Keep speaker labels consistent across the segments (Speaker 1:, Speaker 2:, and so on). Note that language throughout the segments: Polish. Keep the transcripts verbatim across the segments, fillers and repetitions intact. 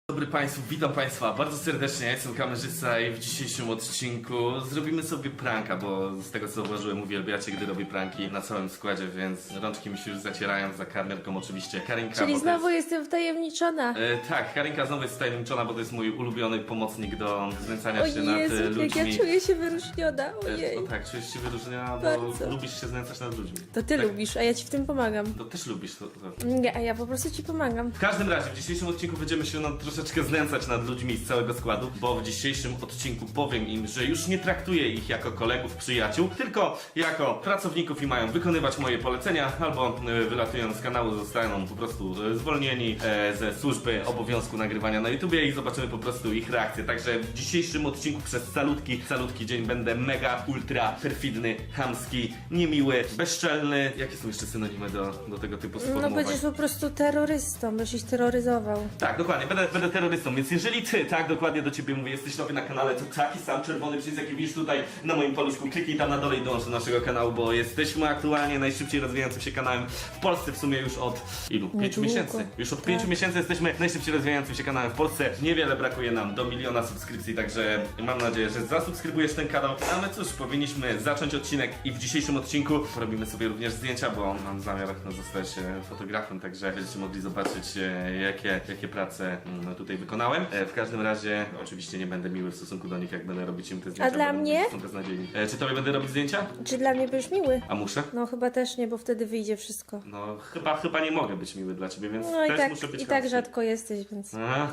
Speaker 1: Dzień dobry Państwu, witam Państwa bardzo serdecznie, ja jestem kamerzysta i w dzisiejszym odcinku zrobimy sobie pranka, bo z tego co zauważyłem uwielbiacie, gdy robię pranki na całym składzie, więc rączki mi się już zacierają, za kamerką oczywiście Karinka.
Speaker 2: Czyli znowu
Speaker 1: jest...
Speaker 2: jestem wtajemniczona.
Speaker 1: E, tak, Karinka znowu jest wtajemniczona, bo to jest mój ulubiony pomocnik do znęcania
Speaker 2: O
Speaker 1: się nad
Speaker 2: Jezu,
Speaker 1: e,
Speaker 2: jak
Speaker 1: ludźmi.
Speaker 2: ja czuję się wyróżniona,
Speaker 1: E,
Speaker 2: ojej.
Speaker 1: No tak, czujesz się wyróżniona, bo
Speaker 2: Bardzo.
Speaker 1: lubisz się znęcać nad ludźmi.
Speaker 2: To ty
Speaker 1: tak,
Speaker 2: lubisz, a ja ci w tym pomagam.
Speaker 1: To też lubisz to. to.
Speaker 2: Nie, a ja po prostu ci pomagam.
Speaker 1: W każdym razie, w dzisiejszym odcinku będziemy się no, troszeczkę znęcać nad ludźmi z całego składu, bo w dzisiejszym odcinku powiem im, że już nie traktuję ich jako kolegów, przyjaciół, tylko jako pracowników i mają wykonywać moje polecenia, albo y, wylatując z kanału zostaną po prostu y, zwolnieni e, ze służby obowiązku nagrywania na YouTubie i zobaczymy po prostu ich reakcję. Także w dzisiejszym odcinku przez calutki, calutki dzień będę mega, ultra, perfidny, chamski, niemiły, bezczelny. Jakie są jeszcze synonimy do, do tego typu
Speaker 2: No
Speaker 1: sformułowań?
Speaker 2: będziesz po prostu terrorystą, będziesz ich terroryzował.
Speaker 1: Tak, dokładnie, będę, będę terrorystą, więc jeżeli ty, tak, dokładnie do ciebie mówię, jesteś nowy na kanale, to taki sam czerwony przycisk, jaki widzisz tutaj na moim paluszku, kliknij tam na dole i dołącz do naszego kanału, bo jesteśmy aktualnie najszybciej rozwijającym się kanałem w Polsce, w sumie już od ilu? Pięciu
Speaker 2: Niedługo.
Speaker 1: miesięcy. Już od pięciu miesięcy jesteśmy najszybciej rozwijającym się kanałem w Polsce. Niewiele brakuje nam do miliona subskrypcji, także mam nadzieję, że zasubskrybujesz ten kanał. A my cóż, powinniśmy zacząć odcinek i w dzisiejszym odcinku porobimy sobie również zdjęcia, bo mam zamiar no, zostać e, fotografem, także będziecie mogli zobaczyć e, jakie, jakie prace mm, tutaj wykonałem. E, w każdym razie oczywiście nie będę miły w stosunku do nich, jak będę robić im te zdjęcia.
Speaker 2: dla
Speaker 1: bo
Speaker 2: mnie?
Speaker 1: Są beznadziejni. E, czy tobie będę robić zdjęcia?
Speaker 2: Czy dla mnie będziesz miły?
Speaker 1: A muszę?
Speaker 2: No chyba też nie, bo wtedy wyjdzie wszystko.
Speaker 1: No chyba, chyba nie mogę być miły dla ciebie, więc
Speaker 2: No i
Speaker 1: też
Speaker 2: tak,
Speaker 1: muszę być
Speaker 2: i tak
Speaker 1: chamski.
Speaker 2: rzadko jesteś, więc...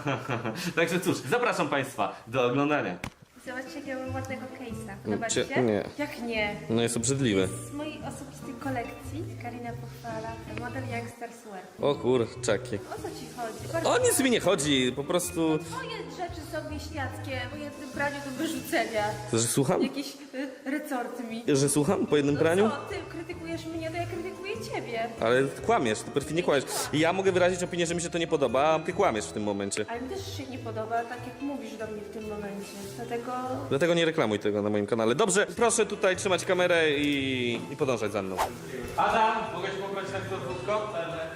Speaker 1: Także cóż, zapraszam Państwa do oglądania.
Speaker 3: Zobaczcie, jakiego mam ładnego case'a. Podoba ci
Speaker 1: Cie-
Speaker 3: się?
Speaker 1: nie.
Speaker 3: Jak nie?
Speaker 1: No jest obrzydliwe.
Speaker 3: Z mojej osobistej kolekcji Karina pochwala model Youngsters Wear.
Speaker 1: O kurczaki.
Speaker 3: O co ci chodzi? Bardzo
Speaker 1: O nic mi nie chodzi, po prostu...
Speaker 3: Twoje rzeczy są wieśniackie, po jednym praniu do wyrzucenia.
Speaker 1: Że słucham?
Speaker 3: Jakieś y, resorty mi.
Speaker 1: Że słucham po jednym
Speaker 3: No
Speaker 1: praniu?
Speaker 3: co, ty krytykujesz mnie, to ja krytykuję ciebie.
Speaker 1: Ale kłamiesz, ty perfidnie kłamiesz. Ja mogę wyrazić opinię, że mi się to nie podoba, a ty kłamiesz w tym momencie.
Speaker 3: Ale mi też się nie podoba, tak jak mówisz do mnie w tym momencie. Dlatego...
Speaker 1: Dlatego nie reklamuj tego na moim kanale. Dobrze, proszę tutaj trzymać kamerę i, i podążać za mną. Adam, mogę cię poprosić na krótko?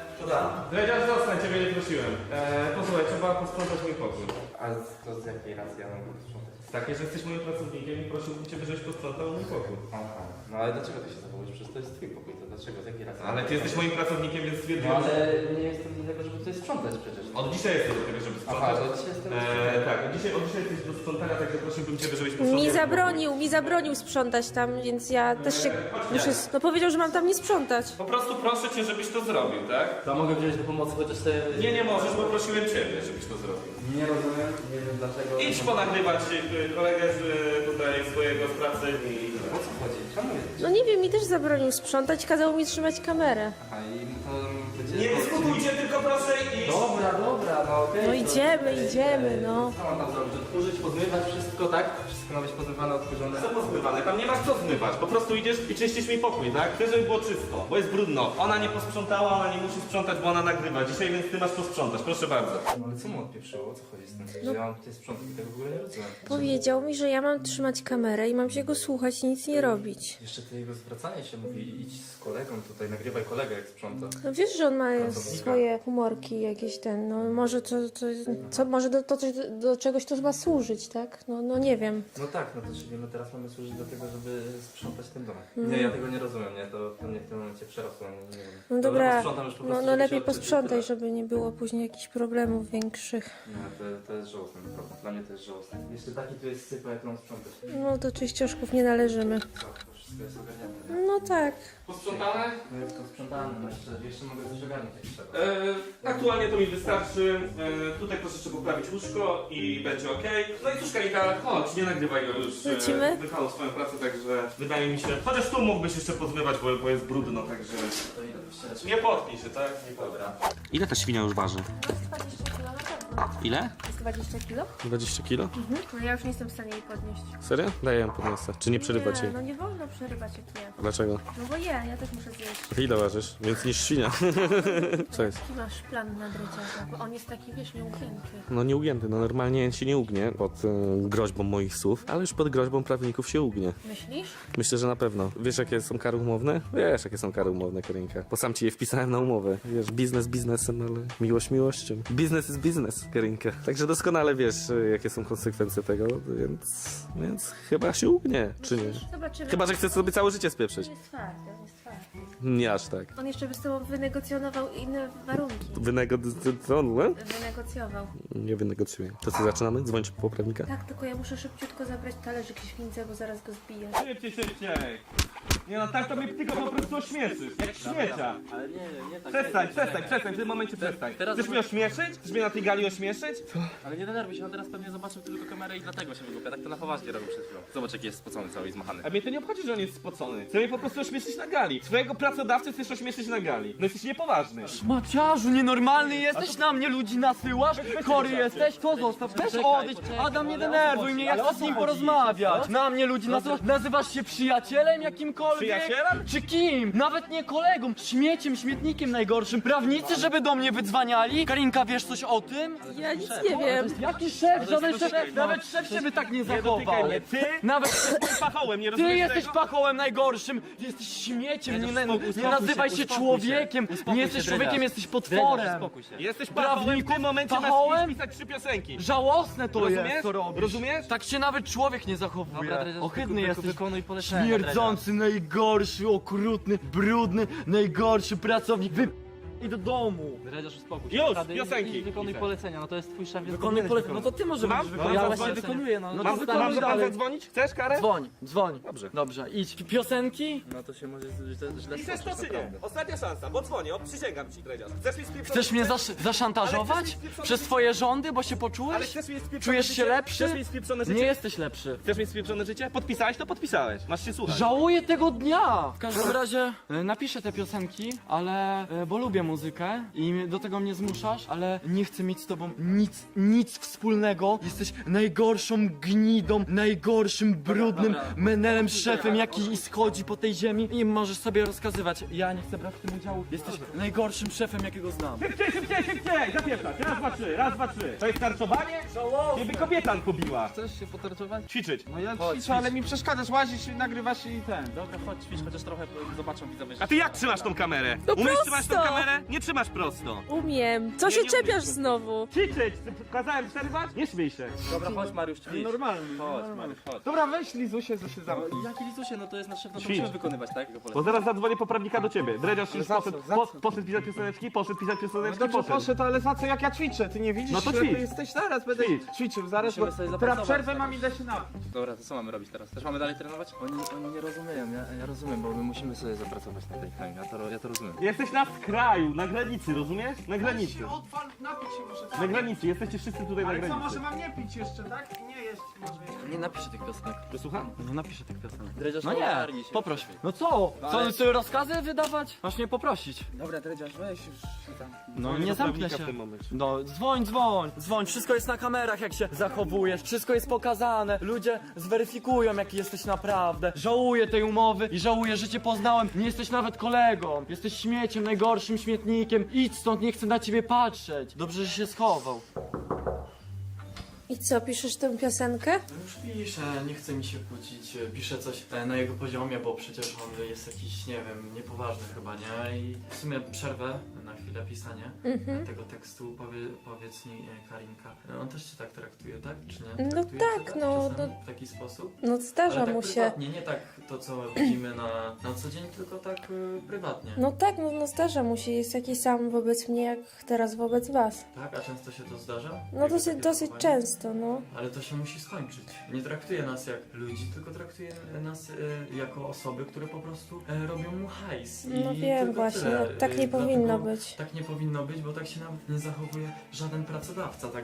Speaker 4: Da.
Speaker 1: Dredziarz, zostań, ciebie nie prosiłem. Eee, posłuchaj, trzeba posprzątać mój pokój.
Speaker 4: Ale to z jakiej racji ja mam go sprzątać?
Speaker 1: Takie, że jesteś moim pracownikiem i prosiłbym cię, żebyś posprzątał mój pokój.
Speaker 4: Aha. No ale dlaczego ty się zachowujesz? Przecież to jest twój pokój, to dlaczego? Z jakiej racji?
Speaker 1: Ale ty jesteś moim pracownikiem, więc
Speaker 4: No
Speaker 1: stwierdziłem,
Speaker 4: ale
Speaker 1: że...
Speaker 4: nie jestem do tego, żeby tutaj sprzątać przecież.
Speaker 1: Od dzisiaj jesteś do tego, żeby
Speaker 4: Aha,
Speaker 1: sprzątać.
Speaker 4: że dzisiaj jestem...
Speaker 1: Eee, tak, od dzisiaj, od dzisiaj jesteś do sprzątania, także prosiłbym cię, żebyś posprzątał.
Speaker 2: Mi zabronił, mi zabronił sprzątać tam, więc ja też się muszę... No powiedział, że mam tam nie sprzątać.
Speaker 1: Po prostu proszę cię, żebyś to zrobił, tak?
Speaker 4: To mogę wziąć do pomocy, chociaż sobie...
Speaker 1: Nie, nie możesz, bo prosiłem ciebie, żebyś to zrobił.
Speaker 4: Nie rozumiem, nie wiem dlaczego...
Speaker 1: Idź ponagrywać y, kolegę z y, tutaj swojego z pracy i...
Speaker 4: O co chodzi? Czemu jest?
Speaker 2: No nie wiem, mi też zabronił sprzątać, kazał mi trzymać kamerę.
Speaker 4: Aha, i to będzie...
Speaker 1: Nie dyskutujcie, tylko proszę iść!
Speaker 4: Dobra, dobra, no okej.
Speaker 2: No
Speaker 4: to-
Speaker 2: idziemy, idziemy, no.
Speaker 4: Co mam tam zrobić? Odkurzyć, pozmywać wszystko, tak? Wszystko ma być pozmywane, odkurzone.
Speaker 1: Co pozmywane? Tam nie masz co zmywać, po prostu idziesz i czyścisz mi pokój, tak? Chcę, żeby było czysto, bo jest brudno. Ona nie posprzątała, ona nie musi sprzątać, bo ona nagrywa. Dzisiaj, więc ty masz posprzątać, proszę bardzo.
Speaker 4: No ale co mu odpieprzyło? O co chodzi z tym? Że ja mam tutaj sprzątać i tego w ogóle nie rozumiem.
Speaker 2: Powiedział mi, że ja mam trzymać kamerę i mam się go słuchać i nic nie robić.
Speaker 4: Jeszcze to jego zwracanie się mówi, idź z kolegą tutaj, nagrywaj kolegę jak sprząta.
Speaker 2: No wiesz, że on ma
Speaker 4: Pracownika.
Speaker 2: swoje humorki jakieś ten, no może to, to co, może do, to, coś- do, do czegoś to ma służyć, tak? No, no nie wiem.
Speaker 4: No tak, no to czyli my teraz mamy służyć do tego, żeby sprzątać ten dom. Nie, ja tego nie rozumiem, nie, to, to mnie w tym momencie przerosło, nie, nie wiem.
Speaker 2: No dobra,
Speaker 4: posprzątam już po
Speaker 2: no,
Speaker 4: prostu,
Speaker 2: no
Speaker 4: żeby
Speaker 2: lepiej
Speaker 4: się odczyć i
Speaker 2: posprzątaj,
Speaker 4: tyle.
Speaker 2: żeby nie było później jakichś problemów większych.
Speaker 4: Nie, to, to jest żałosne, naprawdę. Dla mnie to jest żałosne. Jeszcze taki tu jest sypa, jak mam sprzątać.
Speaker 2: No do czyścioszków nie należymy.
Speaker 4: Co, to wszystko jest ogarnięte.
Speaker 2: No tak.
Speaker 1: Posprzątane?
Speaker 4: No jest to sprzątane, no jeszcze, jeszcze mogę coś ogarnąć jak trzeba.
Speaker 1: E, aktualnie to mi wystarczy. E, tutaj proszę jeszcze poprawić łóżko i będzie ok. No i cóż, Karika, chodź, nie nagrywaj go już.
Speaker 2: Lecimy?
Speaker 1: E, wykonał swoją pracę, także wydaje mi się. Chociaż tu mógłbyś jeszcze pozmywać, bo, bo jest brudno, także.
Speaker 4: To idę wyścierać.
Speaker 1: Nie potknij się, tak? Nie
Speaker 4: Dobra.
Speaker 1: Ile ta świnia już waży?
Speaker 2: dwadzieścia kilo na pewno.
Speaker 1: Ile?
Speaker 3: dwadzieścia kilo.
Speaker 1: dwadzieścia kilo?
Speaker 3: Mhm. No ja już nie jestem w stanie jej podnieść.
Speaker 1: Serio? Daję ją podniosę. Czy nie przerywać
Speaker 3: Nie,
Speaker 1: jej?
Speaker 3: no nie wolno przerywać jak je.
Speaker 1: Dlaczego?
Speaker 3: No bo je, ja też muszę zjeść.
Speaker 1: Ty ile ważysz? Więc niż świnia. Co jest?
Speaker 3: Jaki masz plan na dreciarza? Bo on jest taki, wiesz, nieugięty.
Speaker 1: No nieugięty, no normalnie się nie ugnie pod y, groźbą moich słów, ale już pod groźbą prawników się ugnie.
Speaker 3: Myślisz?
Speaker 1: Myślę, że na pewno. Wiesz jakie są kary umowne? Wiesz jakie są kary umowne, Karinka. Bo sam ci je wpisałem na umowę. Wiesz, biznes biznesem, ale miłość miłością. Biznes jest biznes, Karinka. Także doskonale wiesz y, jakie są konsekwencje tego, więc, więc chyba się ugnie, czy nie?
Speaker 3: Zobaczymy.
Speaker 1: Chyba, że chcesz sobie całe życie spieprzyć.
Speaker 3: On jest twardy, on jest twardy.
Speaker 1: Nie aż tak.
Speaker 3: On jeszcze by z tobą wynegocjonował inne warunki.
Speaker 1: Wynegocjował?
Speaker 3: Wynegocjował.
Speaker 1: Nie wynegocjuję. To co, zaczynamy? Dzwonić po poprawnika?
Speaker 3: Tak, tylko ja muszę szybciutko zabrać talerzyk i świncę, bo zaraz go zbiję.
Speaker 1: Szybciej, szybciej! Nie no, tak to mnie tylko po prostu ośmieszysz, jak śmiecia.
Speaker 4: Ale nie, nie, nie tak.
Speaker 1: Przestań,
Speaker 4: nie,
Speaker 1: przestań,
Speaker 4: nie,
Speaker 1: przestań, w tym momencie przestań.
Speaker 4: Teraz-
Speaker 1: Chcesz mnie ośmieszyć? Chcesz mnie na tej gali ośmieszyć?
Speaker 4: Ale nie denerwuj się, on teraz pewnie zobaczył tylko kamerę i dlatego się wygłupia. Tak to na poważnie robił przed chwilą. Zobacz jaki jest spocony cały i zmachany.
Speaker 1: A mnie to nie obchodzi, że on jest spocony. Chcę mnie po prostu ośmieszyć na gali. Swojego pracodawcę chcesz ośmieszyć na gali. No jesteś niepoważny.
Speaker 5: Maciarzu, nienormalny jesteś, na mnie ludzi nasyłasz? Chory jesteś? To zostaw, weź odejdź. Adam, nie denerwuj mnie, ja chcę z nim porozmawiać. Na mnie ludzi nasyłasz? Nazywasz się przyjacielem jakimkolwiek?
Speaker 1: Przyjacielem?
Speaker 5: Czy kim? Nawet nie kolegą, śmieciem, śmietnikiem najgorszym. Prawnicy, żeby do mnie wydzwaniali? Karinka, wiesz coś o tym?
Speaker 2: Ja nic nie wiem.
Speaker 5: Jaki szef? Żaden szef, nawet szef się by tak nie zachował.
Speaker 1: mnie. Ty
Speaker 5: Nawet
Speaker 1: jesteś pachołem, nie
Speaker 5: Ty
Speaker 1: rozumiesz
Speaker 5: jesteś
Speaker 1: tego?
Speaker 5: pachołem najgorszym! Ty jesteś śmieciem, nie, nie,
Speaker 4: uspokój się,
Speaker 5: nazywaj się
Speaker 4: uspokój się.
Speaker 5: człowiekiem!
Speaker 4: Uspokój
Speaker 5: Nie
Speaker 4: się,
Speaker 5: jesteś
Speaker 4: Dredziarz.
Speaker 5: człowiekiem, jesteś
Speaker 4: Dredziarz,
Speaker 5: potworem!
Speaker 4: uspokój się.
Speaker 1: Jesteś pachołem, w
Speaker 5: Prawniku,
Speaker 1: tym momencie
Speaker 5: pachołem?
Speaker 1: masz pisać trzy piosenki.
Speaker 5: Żałosne to
Speaker 1: Rozumiesz?
Speaker 5: jest, co robisz.
Speaker 1: Rozumiesz?
Speaker 5: Tak się nawet człowiek nie zachowuje.
Speaker 4: Dobra, Dredziarz,
Speaker 5: Ohydny
Speaker 4: wyku-
Speaker 5: jesteś.
Speaker 4: wykonuj polecenia,
Speaker 5: Śmierdzący, najgorszy, okrutny, brudny, najgorszy pracownik. Wy... I do domu!
Speaker 4: Dredziarz, uspokój się.
Speaker 1: Już,
Speaker 4: Naprawdę,
Speaker 1: piosenki.
Speaker 4: idź, Wykonuj
Speaker 1: Piszę.
Speaker 4: polecenia, no to jest twój szef, więc
Speaker 5: Wykonuj
Speaker 4: powinieneś
Speaker 5: polecenie. No
Speaker 4: wykonać.
Speaker 5: to ty może
Speaker 1: Mam?
Speaker 5: będziesz
Speaker 1: Mam
Speaker 5: wykonał. Ja
Speaker 1: zadzwonić?
Speaker 5: właśnie wykonuję, no. no
Speaker 1: Mam,
Speaker 5: to
Speaker 1: mam,
Speaker 5: wykonuj
Speaker 1: mam
Speaker 5: dalej.
Speaker 1: zadzwonić? Chcesz karę?
Speaker 5: Dzwoń, dzwoń.
Speaker 1: Dobrze.
Speaker 5: Dobrze, idź. Piosenki?
Speaker 4: No to się może źle, źle
Speaker 1: Chcesz to
Speaker 4: skończyć,
Speaker 1: czy nie?
Speaker 4: naprawdę.
Speaker 1: Ostatnia szansa, bo dzwonię, o, przysięgam ci, Dredziarz. Chcesz mi spieprzone
Speaker 5: Chcesz mnie
Speaker 1: życie?
Speaker 5: zasz zaszantażować?
Speaker 1: Ale chcesz mieć
Speaker 5: Przez twoje rządy, bo się
Speaker 1: Ale
Speaker 5: poczułeś?
Speaker 1: chcesz mieć spieprzone
Speaker 5: Czujesz
Speaker 1: życie?
Speaker 5: się lepszy?
Speaker 1: Chcesz mieć spieprzone życie?
Speaker 5: Nie jesteś lepszy.
Speaker 1: Chcesz mieć spieprzone życie? Podpisałeś, to podpisałeś. Masz się słuchać.
Speaker 5: Żałuję tego dnia! W każdym razie e, napiszę te piosenki, ale e, bo lubię muzykę i mnie- do tego mnie zmuszasz, ale nie chcę mieć z tobą nic, nic wspólnego. Jesteś najgorszą gnidą, najgorszym, brudnym
Speaker 4: dobra.
Speaker 5: menelem, szefem, jaki schodzi po tej ziemi i możesz sobie rozkazywać. Ja nie chcę brać w tym udziału. Jesteś najgorszym szefem, jakiego znam.
Speaker 1: Szybciej, szybciej, szybciej! Zapieprzać! Raz, dwa, trzy, raz, dwa, trzy. To jest tarczowanie? Ciebie kobieta pobiła.
Speaker 4: Chcesz się potarczować?
Speaker 1: Ćwiczyć.
Speaker 6: No ja
Speaker 4: Chodź,
Speaker 6: ćwiczę, ale mi przeszkadzasz, łazisz, nagrywasz i ten.
Speaker 4: Dobra, chodź, ćwicz, chociaż trochę zobaczą widzowie.
Speaker 1: A ty jak trzymasz tą kamerę?
Speaker 2: No
Speaker 1: Umiesz
Speaker 2: prosto.
Speaker 1: trzymać tą kamerę? Nie trzymasz prosto.
Speaker 2: Umiem. Co
Speaker 1: Nie,
Speaker 2: się
Speaker 1: nie
Speaker 2: czepiasz
Speaker 1: umiesz.
Speaker 2: znowu?
Speaker 1: Ćwiczyć! Kazałem przerywać? Nie śmiej się.
Speaker 4: Dobra, chodź Mariusz, ćwicz.
Speaker 6: Normalny.
Speaker 4: Chodź,
Speaker 6: normalny.
Speaker 4: Mariusz, chodź.
Speaker 6: Dobra, weź Lizusie, co się zamknie.
Speaker 4: Jaki Lizusie, no to jest nasz szef, no to
Speaker 1: Ćwicz.
Speaker 4: musimy wykonywać, tak? Jego
Speaker 1: Bo
Speaker 4: polecenia.
Speaker 1: zaraz zadzwonię poprawnika do ciebie. Dredziarz
Speaker 6: Ale
Speaker 1: już
Speaker 6: za co?
Speaker 1: poszedł,
Speaker 6: Za
Speaker 1: po,
Speaker 6: co?
Speaker 1: poszedł pisać pioseneczki, poszedł pisać
Speaker 6: No
Speaker 1: pioseneczki,
Speaker 6: dobrze,
Speaker 1: poszedł.
Speaker 6: poszedł, ale za co, jak ja ćwiczę? Ty nie widzisz,
Speaker 1: No to
Speaker 6: ślepy
Speaker 1: ćwicz.
Speaker 6: jesteś? Zaraz będę
Speaker 1: Ćwicz.
Speaker 6: ćwiczył, zaraz,
Speaker 4: Musimy
Speaker 6: bo
Speaker 4: sobie
Speaker 6: teraz
Speaker 4: zapracować.
Speaker 6: przerwę mam, idę się napić.
Speaker 4: Dobra, to co mamy robić teraz? Też mamy dalej trenować? Oni, oni nie rozumieją, ja, ja rozumiem, bo my musimy sobie zapracować na tej chemii, ja to, ja to rozumiem.
Speaker 1: Jesteś na skraju, na granicy, rozumiesz? Na granicy.
Speaker 6: Odpal, napić się muszę.
Speaker 1: Na granicy, jesteście wszyscy tutaj na
Speaker 6: Ale co,
Speaker 1: granicy.
Speaker 6: może mam nie pić jeszcze, tak? Nie jeść może jeszcze.
Speaker 5: Nie napiszę tych piosenek.
Speaker 1: Słucham?
Speaker 5: Nie napiszę tych piosenek.
Speaker 4: Dredziarz,
Speaker 5: No nie,
Speaker 4: ogarnij się.
Speaker 5: poproś. No co? Co,
Speaker 6: ale-
Speaker 5: sobie rozkazy wydawać? Masz mnie poprosić.
Speaker 6: Dobra, Dredziarz, weź już tam.
Speaker 5: No
Speaker 1: Dzwonię
Speaker 5: nie
Speaker 1: do
Speaker 5: zamknę
Speaker 1: prawnika
Speaker 5: się.
Speaker 1: w tym momencie.
Speaker 5: No dzwoń, dzwoń, dzwoń, wszystko jest na kamerach jak się zachowujesz, wszystko jest pokazane, ludzie zweryfikują jaki jesteś naprawdę. Żałuję tej umowy i żałuję, że cię poznałem, nie jesteś nawet kolegą, jesteś śmieciem, najgorszym śmietnikiem, idź stąd, nie chcę na ciebie patrzeć. Dobrze, że się schował.
Speaker 2: I co, piszesz tę piosenkę?
Speaker 5: No już piszę, nie chce mi się kłócić, piszę coś e, na jego poziomie, bo przecież on jest jakiś, nie wiem, niepoważny chyba, nie? I w sumie przerwę na chwilę pisanie
Speaker 2: Mhm.
Speaker 5: tego tekstu, Powie, powiedz mi e, Karinka, e, on też cię tak traktuje, tak? Czy nie?
Speaker 2: No
Speaker 5: Traktuje
Speaker 2: tak,
Speaker 5: cię
Speaker 2: no,
Speaker 5: czasami
Speaker 2: no.
Speaker 5: w taki sposób?
Speaker 2: No zdarza
Speaker 5: Ale tak
Speaker 2: mu się.
Speaker 5: prywatnie, nie tak to co widzimy na, na co dzień, tylko tak e, prywatnie.
Speaker 2: No tak, no, no zdarza mu się. Jest taki sam wobec mnie, jak teraz wobec was.
Speaker 5: Tak? A często się to zdarza?
Speaker 2: No
Speaker 5: Takie-
Speaker 2: dosyć,
Speaker 5: takie
Speaker 2: dosyć
Speaker 5: zachowanie?
Speaker 2: często, no.
Speaker 5: Ale to się musi skończyć. Nie traktuje nas jak ludzi, tylko traktuje nas e, jako osoby, które po prostu e, robią mu hajs. I
Speaker 2: No wiem
Speaker 5: tylko
Speaker 2: właśnie,
Speaker 5: tyle.
Speaker 2: no tak
Speaker 5: E,
Speaker 2: nie
Speaker 5: dlatego
Speaker 2: powinno być.
Speaker 5: Tak nie powinno być, bo tak się nawet nie zachowuje żaden pracodawca. Także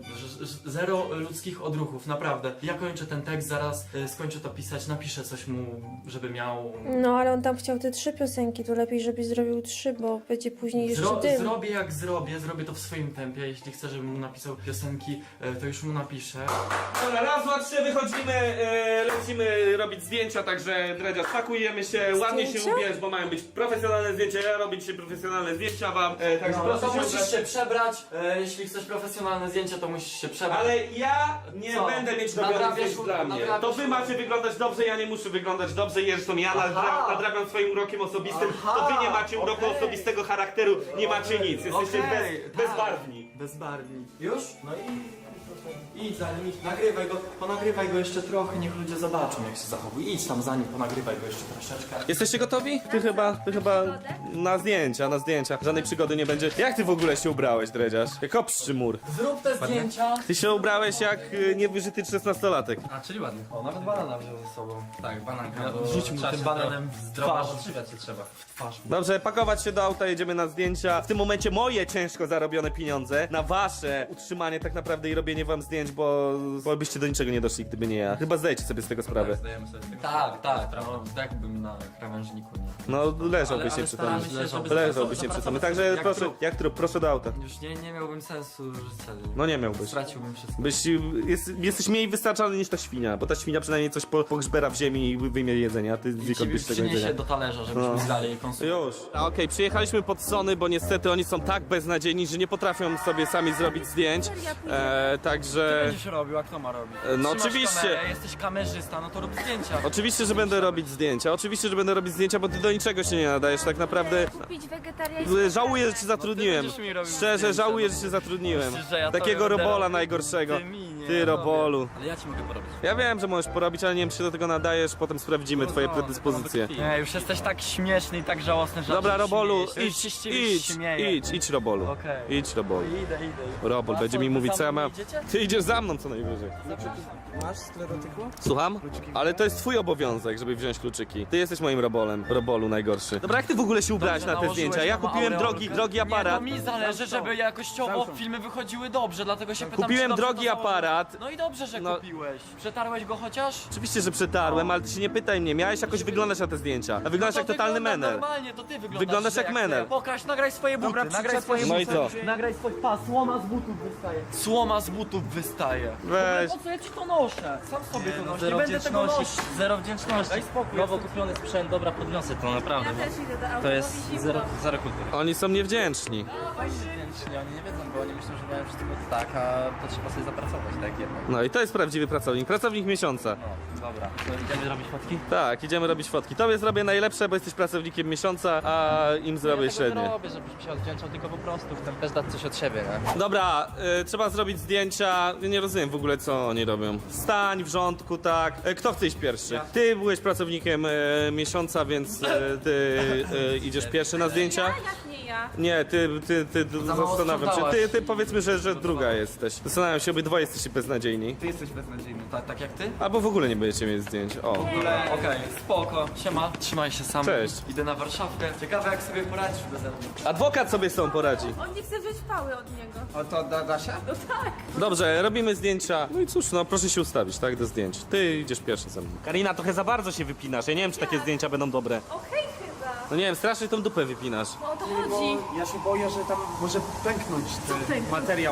Speaker 5: Ż- ż- Zero ludzkich odruchów, naprawdę. Ja kończę ten tekst, zaraz y, skończę to pisać, napiszę coś mu, żeby miał...
Speaker 2: No ale on tam chciał te trzy piosenki, to lepiej, żebyś zrobił trzy, bo będzie później jeszcze
Speaker 5: Zro
Speaker 2: dym.
Speaker 5: zrobię jak zrobię, zrobię to w swoim tempie. Jeśli chcę, żebym mu napisał piosenki, y, to już mu napiszę.
Speaker 1: Dobra, raz, dwa, trzy, wychodzimy, e, lecimy robić zdjęcia, także Dredziarz, pakujemy się, ładnie się
Speaker 2: Zdjęcia?
Speaker 1: ubierz, bo mają być profesjonalne zdjęcia, ja robić się profesjonalne zdjęcia wam, e, także
Speaker 5: No,
Speaker 1: proszę
Speaker 5: to
Speaker 1: się
Speaker 5: musisz
Speaker 1: ubrać.
Speaker 5: się przebrać. E, jeśli chcesz profesjonalne zdjęcia, to musisz się przebrać.
Speaker 1: Ale ja nie
Speaker 5: Co?
Speaker 1: będę mieć robionych
Speaker 5: Nadrabiasz
Speaker 1: zdjęć
Speaker 5: u-
Speaker 1: dla mnie.
Speaker 5: nadrabiasz
Speaker 1: To wy
Speaker 5: u-
Speaker 1: macie wyglądać dobrze, ja nie muszę wyglądać dobrze, zresztą ja nadra
Speaker 5: Aha.
Speaker 1: nadrabiam swoim urokiem osobistym,
Speaker 5: Aha,
Speaker 1: to wy nie macie uroku
Speaker 5: okej.
Speaker 1: osobistego charakteru, nie macie nic, jesteście
Speaker 5: Okej,
Speaker 1: bez,
Speaker 5: tak.
Speaker 1: bezbarwni.
Speaker 5: Bezbarwni. Już? No i... Idź za nim, idź, nagrywaj go, ponagrywaj go jeszcze trochę, niech ludzie zobaczą jak się zachowuje. Idź tam za nim, ponagrywaj go jeszcze troszeczkę.
Speaker 1: Jesteście gotowi? Ty chyba, ty chyba na zdjęcia, na zdjęcia. Żadnej przygody nie będzie. Jak ty w ogóle się ubrałeś, Dredziarz? Jak obszczy mur.
Speaker 5: Zrób te zdjęcia.
Speaker 1: Ty się ubrałeś jak y, niewyżyty szesnastolatek.
Speaker 4: A, czyli ładnie.
Speaker 5: O, nawet banana wziął ze sobą.
Speaker 4: Tak, bananka.
Speaker 5: Ja-
Speaker 4: bo
Speaker 5: rzuć mu
Speaker 4: trzeba
Speaker 5: tym
Speaker 4: się
Speaker 5: bananem
Speaker 4: zdrowo-
Speaker 5: w
Speaker 4: zdrowo
Speaker 5: twarz.
Speaker 4: odżywiać się trzeba.
Speaker 5: W twarz mu.
Speaker 1: Dobrze, pakować się do auta, jedziemy na zdjęcia. W tym momencie moje ciężko zarobione pieniądze na wasze utrzymanie tak naprawdę i robienie wam zdjęć, bo, bo byście do niczego nie doszli, gdyby nie ja. Chyba zdajecie sobie z tego sprawę.
Speaker 4: Zdajemy sobie z tego
Speaker 5: Tak, tak,
Speaker 4: sprawę.
Speaker 5: no, jakbym na krawężniku, nie?
Speaker 1: No leżałbyś
Speaker 4: Ale- ale
Speaker 1: nieprzytomny.
Speaker 4: staramy się, żeby
Speaker 1: Leżałbyś
Speaker 4: zapracować-
Speaker 1: nieprzytomny.
Speaker 4: zapracować
Speaker 1: Także
Speaker 5: jak
Speaker 1: proszę,
Speaker 5: trup.
Speaker 1: jak trup, proszę do auta.
Speaker 5: Już nie, nie miałbym sensu życia.
Speaker 1: No nie miałbyś.
Speaker 5: Straciłbym wszystko.
Speaker 1: Byś, jest, jesteś mniej wystarczalny niż ta świnia, bo ta świnia przynajmniej coś po, pogrzbera w ziemi i wyjmie jedzenie, a ty znikąd byś tego
Speaker 5: Przyniesie
Speaker 1: jedzenia.
Speaker 5: do talerza, żebyśmy
Speaker 1: No.
Speaker 5: dalej konsumować.
Speaker 1: Już. A, Okej, przyjechaliśmy pod Sony, bo niestety oni są tak beznadziejni, że nie potrafią sobie sami zrobić zdjęć. E,
Speaker 5: Ty
Speaker 1: także...
Speaker 5: będziesz robił, a kto ma robić?
Speaker 1: E, no
Speaker 5: Trzymasz
Speaker 1: oczywiście.
Speaker 5: Kamerę, jesteś kamerzysta, no to rób zdjęcia.
Speaker 1: Oczywiście, że będę robić zdjęcia. Oczywiście, że będę robić zdjęcia, bo ty do niczego się nie nadajesz tak naprawdę.
Speaker 3: Kupić wegetariańskie.
Speaker 1: Żałuję, że cię zatrudniłem.
Speaker 5: będziesz mi robił
Speaker 1: Szczerze,
Speaker 5: zdjęcia,
Speaker 1: żałuję,
Speaker 5: no.
Speaker 1: że cię zatrudniłem.
Speaker 5: Myślisz, że ja
Speaker 1: Takiego
Speaker 5: tobie będę
Speaker 1: robola
Speaker 5: robił?
Speaker 1: najgorszego.
Speaker 5: Ty mi nie,
Speaker 1: Ty
Speaker 5: ja
Speaker 1: robolu.
Speaker 4: Ale ja ci mogę porobić.
Speaker 1: Ja wiem, że możesz porobić, ale nie wiem, czy się do tego nadajesz. Potem sprawdzimy twoje
Speaker 4: no,
Speaker 1: predyspozycje.
Speaker 4: to
Speaker 5: Nie, już jesteś tak śmieszny i tak żałosny, że
Speaker 1: Dobra,
Speaker 5: aż się
Speaker 1: Robolu,
Speaker 5: śmiejesz. Już
Speaker 1: idź,
Speaker 5: się z ciebie
Speaker 1: idź,
Speaker 5: śmieję.
Speaker 1: idź, idź, Robolu.
Speaker 5: Okej.
Speaker 1: Idź, Robolu.
Speaker 5: Idę, idę. idę.
Speaker 1: Robol
Speaker 5: A
Speaker 1: będzie
Speaker 5: co,
Speaker 1: mi
Speaker 5: wy
Speaker 1: mówić,
Speaker 5: za
Speaker 1: co ja
Speaker 5: mną
Speaker 1: mam.
Speaker 5: idziecie?
Speaker 1: Ty idziesz za mną co najwyżej.
Speaker 6: Masz sklerotykło?
Speaker 1: Słucham? Ale to jest twój obowiązek, żeby wziąć kluczyki. Ty jesteś moim robolem. Robolu najgorszy. Dobra, jak ty w ogóle się ubrałeś
Speaker 5: Dobrze,
Speaker 1: na te
Speaker 5: nałożyłeś
Speaker 1: zdjęcia? Ja
Speaker 5: na
Speaker 1: kupiłem
Speaker 5: aureolkę.
Speaker 1: drogi, drogi
Speaker 5: Nie, no
Speaker 1: aparat.
Speaker 5: mi zależy, żeby jakościowo
Speaker 6: Samsung.
Speaker 5: filmy wychodziły dobrze, dlatego się pytam,
Speaker 1: Kupiłem
Speaker 5: czy dobrze
Speaker 1: drogi
Speaker 5: to założyłeś.
Speaker 1: aparat.
Speaker 5: No i dobrze, że
Speaker 1: No.
Speaker 5: kupiłeś. Przetarłeś go chociaż?
Speaker 1: Oczywiście, że przetarłem, ale ty się nie pytaj mnie. Miałeś jakoś wyglądać na te zdjęcia. A wyglądasz
Speaker 5: No
Speaker 1: jak
Speaker 5: to
Speaker 1: totalny
Speaker 5: wygląda
Speaker 1: menel.
Speaker 5: Normalnie, to ty wyglądasz.
Speaker 1: Wyglądasz
Speaker 5: że
Speaker 1: jak menel.
Speaker 5: ty. Pokaż, nagraj swoje buty,
Speaker 6: Dobra,
Speaker 5: nagraj
Speaker 6: przyczep
Speaker 5: swoje
Speaker 6: się.
Speaker 1: No
Speaker 5: buty.
Speaker 1: i co?
Speaker 5: Nagraj swoje... Pa, słoma z butów wystaje. Słoma z butów wystaje.
Speaker 1: Weź.
Speaker 5: Po co ja ci to noszę? Sam sobie to
Speaker 4: no,
Speaker 5: noszę, nie
Speaker 4: zero
Speaker 5: będę tego
Speaker 4: wdzięczności.
Speaker 5: nosić.
Speaker 4: Zero wdzięczności.
Speaker 5: Daj spokój,
Speaker 4: Nowo
Speaker 5: jestem-
Speaker 4: kupiony sprzęt, dobra, podniosę to naprawdę.
Speaker 3: Ja też idę do auta.
Speaker 4: To jest
Speaker 3: bo mi zimno.
Speaker 4: zero, zero kultury.
Speaker 1: Oni są niewdzięczni.
Speaker 4: Wdzięczni, oni nie wiedzą, bo oni myślą, że mają wszystko tak, a to trzeba sobie zapracować, tak jednak.
Speaker 1: No i to jest prawdziwy pracownik. Pracownik miesiąca.
Speaker 4: No, dobra. To idziemy robić fotki?
Speaker 1: Tak, idziemy robić fotki. Tobie zrobię najlepsze, bo jesteś pracownikiem miesiąca, a im zrobię
Speaker 4: ja tego nie
Speaker 1: średnie.
Speaker 4: robię, żebyś się odwdzięczał, tylko po prostu chcę też dać coś od siebie, nie?
Speaker 1: Dobra, y, trzeba zrobić zdjęcia. Ja nie rozumiem w ogóle, co oni robią. Stań w rządku, tak. Y, kto chce iść pierwszy? Ty byłeś pracownikiem y, miesiąca, więc y, ty y, idziesz pierwszy na zdjęcia.
Speaker 3: Ja? Jak nie ja?
Speaker 1: Nie, ty, ty, ty, ty
Speaker 5: mało
Speaker 1: zastanawiam się.
Speaker 5: sprzątałaś.
Speaker 1: Ty, ty powiedzmy, że, że druga jesteś. Zastanawiam się, obydwoje jesteście beznadziejni.
Speaker 6: Ty jesteś beznadziejny.
Speaker 5: Tak, tak jak ty?
Speaker 1: Albo w ogóle nie będziecie mieć zdjęć. O.
Speaker 5: Okej, spoko. Siema, trzymaj się sam.
Speaker 1: Cześć.
Speaker 5: Idę na Warszawkę. Ciekawe jak sobie poradzisz beze mnie.
Speaker 1: Adwokat sobie z tą poradzi.
Speaker 3: On nie chce wziąć pały od niego.
Speaker 6: O to da, da się?
Speaker 3: No tak.
Speaker 1: Dobrze, robimy zdjęcia. No i cóż, no proszę się ustawić, tak, do zdjęć. Ty idziesz pierwszy ze mną. Karina, trochę za bardzo się wypinasz. Ja nie wiem, czy takie zdjęcia będą dobre.
Speaker 3: Okej chyba.
Speaker 1: No nie wiem, strasznie tą dupę wypinasz.
Speaker 3: No o to
Speaker 6: Bo
Speaker 3: chodzi.
Speaker 6: ja się boję, że tam może pęknąć ten
Speaker 3: pęknąć?
Speaker 6: materiał.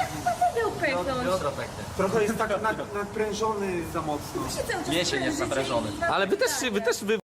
Speaker 3: Będę upęknąć.
Speaker 4: Biodro pęknie.
Speaker 6: Trochę jest tak nad, nadprężony za mocno.
Speaker 3: Się cały czas
Speaker 4: Mięsień jest
Speaker 3: prężycie
Speaker 4: naprężony.
Speaker 3: i-
Speaker 1: Ale wy też, się- wy też wy